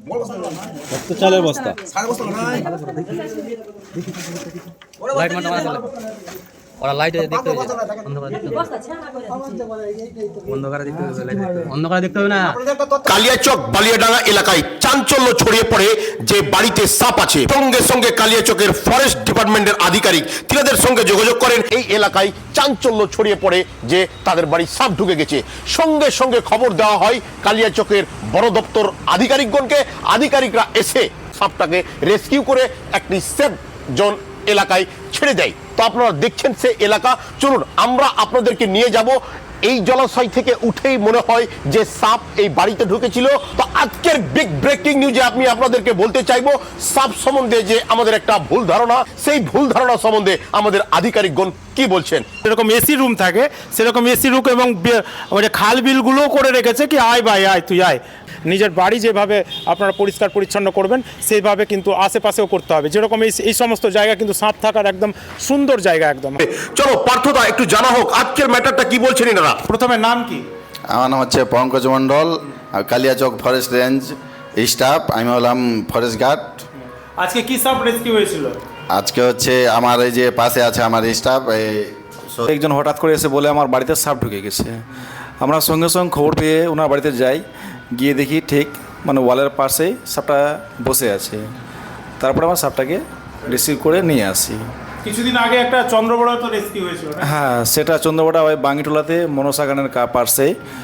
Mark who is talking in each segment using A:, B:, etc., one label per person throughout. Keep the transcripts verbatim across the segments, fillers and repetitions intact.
A: তো চালের বস্তা
B: লাইট মারতে মারা চলে ওরা লাইটে দেখতে হবে অন্ধকারে দেখতে হবে অন্ধকারে দেখতে হবে না।
C: কালিয়াচক বালিয়াডাঙ্গা এলাকায় চাঞ্চল্য ছড়িয়ে পড়ে যে বাড়িতে সাপ আছে। সঙ্গে সঙ্গে কালিয়াচকের ফরেস্ট ডিপার্টমেন্টের আধিকারিক তিনাদের সঙ্গে যোগাযোগ করেন। এই এলাকায় চাঞ্চল্য ছড়িয়ে পড়ে যে তাদের বাড়ি সাপ ঢুকে গেছে। সঙ্গে সঙ্গে খবর দেওয়া হয় কালিয়াচকের বড় দপ্তর আধিকারিকগণকে। আধিকারিকরা এসে সাপটাকে রেস্কিউ করে একটি সেফ জোন এলাকায় ছেড়ে দেয়। তো আপনারা দেখছেন সে এলাকা, চলুন আমরা আপনাদেরকে নিয়ে যাব। এই জলাশয় থেকে উঠেই মনে হয় যে সাপ এই বাড়িতে ঢুকেছিল। তো আজকের বিগ ব্রেকিং নিউজে আমি আপনাদেরকে বলতে চাইবো সাপ সম্বন্ধে যে আমাদের একটা ভুল ধারণা, সেই ভুল ধারণা সম্বন্ধে আমাদের আধিকারিকগণ কি বলছেন।
D: যেরকম এসি রুম থাকে সেরকম এসি রুম এবং মানে খাল বিলগুলোও করে রেখেছে কি আয় ভাই আয় তুই আয়। নিজের বাড়ি যেভাবে আপনারা পরিষ্কার পরিচ্ছন্ন করবেন সেইভাবে কিন্তু আশেপাশেও করতে হবে। যেরকম এই এই সমস্ত জায়গা কিন্তু সাপ থাকার একদম সুন্দর জায়গা একদম।
C: চলো পার্থদা একটু জানা হোক আজকের ম্যাটারটা কি বলছেন এনারা।
D: প্রথমে নাম কি?
E: আমার নাম হচ্ছে Pankaj Mondal, Kaliachak forest range staff. আমি হলাম ফরেস্ট গার্ড।
D: আজকে কি সাপ রেস্কিউ হয়েছিল?
E: আজকে হচ্ছে আমার এই যে পাশে আছে আমার স্টাফ,
F: একজন হঠাৎ করে এসে বলে আমার বাড়িতে সাপ ঢুকে গেছে। আমরা সঙ্গে সঙ্গে খবর পেয়ে ওনার বাড়িতে যাই, গিয়ে দেখি ঠিক মানে ওয়ালের পাশেই সাপটা বসে আছে। তারপরে আমার সাপটাকে রিসিভ করে নিয়ে আসি।
D: কিছুদিন আগে একটা চন্দ্রবড়া তো রেস্কিউ হয়েছিল।
F: হ্যাঁ, সেটা চন্দ্রবড়া ওই বাঙ্গিটোলাতে মনসা গানের পার্শ্বে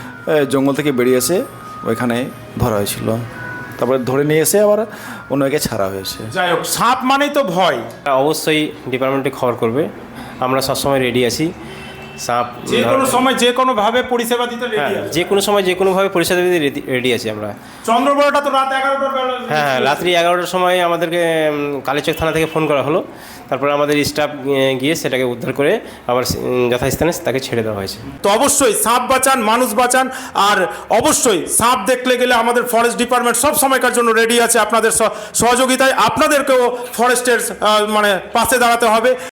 F: জঙ্গল থেকে বেরিয়েছে, ওইখানে ধরা হয়েছিল। তারপরে ধরে নিয়ে এসে আবার অন্যকে ছাড়া হয়েছে।
D: যাই হোক, সাপ মানেই তো ভয়।
G: অবশ্যই ডিপার্টমেন্টে খবর করবে, আমরা সবসময় রেডি আছি। সাপ
D: যে কোনো সময় যে কোনোভাবে পরিষেবা দিতে রেডি
G: হ্যাঁ,
D: আছে।
G: যে কোনো সময় যে কোনোভাবে পরিষেবা দিতে রেডি আছি আমরা।
D: চন্দ্রবড়াটা তো রাত এগারোটার বেলা।
G: হ্যাঁ হ্যাঁ, রাত্রি এগারোটার সময় আমাদেরকে কালীচক থানা থেকে ফোন করা হলো। তারপরে আমাদের স্টাফ গিয়ে সেটাকে উদ্ধার করে আবার যথাস্থানে তাকে ছেড়ে দেওয়া হয়েছে।
D: তো অবশ্যই সাপ বাঁচান, মানুষ বাঁচান। আর অবশ্যই সাপ দেখলে গেলে আমাদের ফরেস্ট ডিপার্টমেন্ট সব সময়কার জন্য রেডি আছে আপনাদের সহযোগিতায়। আপনাদেরকেও ফরেস্টের মানে পাশে দাঁড়াতে হবে।